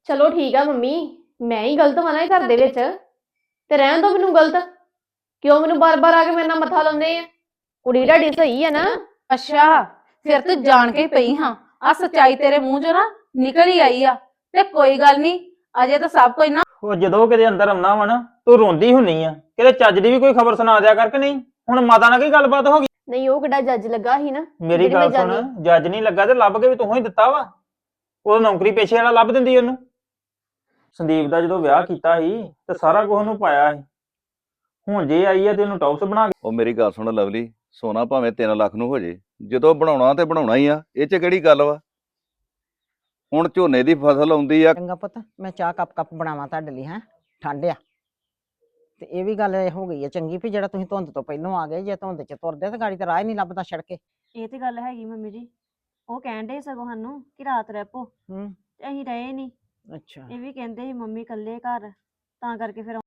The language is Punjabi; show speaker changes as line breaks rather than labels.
ਚਲੋ ਠੀਕ ਆ ਮੰਮੀ, ਮੈਂ ਹੀ ਗਲਤ ਵਾਂ ਨਾ ਇਹ ਘਰ ਦੇ ਵਿੱਚ, ਤੇ ਰਹਿਣ ਦੋ ਮੈਨੂੰ ਗਲਤ। ਕਿਉਂ ਮੈਨੂੰ ਬਾਰ-ਬਾਰ ਆ ਕੇ ਮੇਰੇ ਨਾਲ ਮੱਥਾ ਲਾਉਂਦੇ ਆ? ਕੁੜੀ ਤੁਹਾਡੀ ਸਹੀ ਆ ਨਾ?
ਅੱਛਾ, ਫਿਰ ਤੂੰ ਜਾਣ ਕੇ ਹੀ ਪਈ ਹਾਂ। ਆ ਸੱਚਾਈ ਤੇਰੇ ਮੂੰਹ ਚੋਂ ਨਾ ਨਿਕਲ ਹੀ ਆਈ ਆ। ਤੇ ਕੋਈ ਗੱਲ ਨਹੀਂ, ਅਜੇ ਤਾਂ ਸਭ ਕੁਝ ਨਾ
ਉਹ ਜਦੋਂ ਕਿਤੇ ਅੰਦਰ ਆਉਣਾ ਵਾ ਨਾ ਤੂੰ ਰੋਂਦੀ ਹੁੰਨੀ ਆ, ਕਿਤੇ ਚੱਜ ਦੀ ਵੀ ਕੋਈ ਖਬਰ ਸੁਣਾ ਦਿਆ ਕਰ ਕਿ ਨਹੀਂ। ਹੁਣ ਮਾਤਾ ਨਾਲ ਕੀ ਗੱਲਬਾਤ ਹੋ ਗਈ?
ਨਹੀਂ ਉਹ ਕਿਹੜਾ ਜੱਜ ਲੱਗਾ ਸੀ ਨਾ
ਮੇਰੀ
ਜਿਹੜੀ ਮੈਂ
ਗੱਲ ਸੁਣ,
ਜਾਣੀ।
ਜੱਜ ਨਹੀਂ ਲੱਗਾ ਤੇ ਲੱਭ ਕੇ ਵੀ ਤੂੰ ਹੀ ਦਿੱਤਾ ਵਾ। ਉਹ ਨੌਕਰੀ ਪੇਸ਼ੇ ਵਾਲਾ ਲੱਭ ਦਿੰਦੀ ਉਹਨੂੰ। ਸੰਦੀਪ ਦਾ ਜਦੋਂ ਵਿਆਹ ਕੀਤਾ ਸੀ ਤੇ ਸਾਰਾ ਕੁਝ ਉਹਨੂੰ ਪਾਇਆ ਸੀ। ਹੁਣ ਜੇ ਆਈ ਆ ਤੇ ਉਹਨੂੰ ਟੌਪਸ ਬਣਾ ਕੇ।
ਉਹ ਮੇਰੀ ਗੱਲ ਸੁਣ ਲਵਲੀ, ਸੋਨਾ ਭਾਵੇਂ 3 ਲੱਖ ਨੂੰ ਹੋ ਜੇ, ਜਦੋਂ ਬਣਾਉਣਾ ਤੇ ਬਣਾਉਣਾ ਹੀ ਆ। ਇਹ 'ਚ ਕਿਹੜੀ ਗੱਲ ਵਾ? ਹੁਣ ਝੋਨੇ ਦੀ ਫਸਲ ਆਉਂਦੀ ਆ।
ਚੰਗਾ ਪੁੱਤ, ਮੈਂ ਚਾਹ ਕੱਪ ਬਣਾਵਾਂ ਤੁਹਾਡੇ ਲਈ। ਹੈ ਠੰਡ ਆ। ਤੇ ਇਹ ਵੀ ਗੱਲ ਹੋ ਗਈ ਹੈ ਚੰਗੀ ਵੀ ਜਿਹੜਾ ਤੁਸੀਂ ਧੁੰਦ ਤੋਂ ਪਹਿਲਾਂ ਆ ਗਏ। ਜੇ ਧੁੰਦ ਚ ਤੁਰਦੇ ਤਾਂ ਗਾੜੀ ਤੇ ਰਾਹ ਹੀ ਨਹੀਂ ਲੱਭਦਾ ਸੜਕੇ।
ਇਹ ਤੇ ਗੱਲ ਹੈਗੀ ਮੰਮੀ ਜੀ। ਉਹ ਕਹਿਣ ਡੇ ਸਗੋਂ ਸਾਨੂੰ ਕਿ ਰਾਤ ਰਹਿ ਪੋ,
ਹੂੰ,
ਤੇ ਅਸੀਂ ਰਹੇ ਨਹੀਂ।
ਅੱਛਾ।
ਇਹ ਵੀ ਕਹਿੰਦੇ ਸੀ ਮੰਮੀ ਇਕੱਲੇ ਘਰ, ਤਾਂ ਕਰਕੇ ਫਿਰ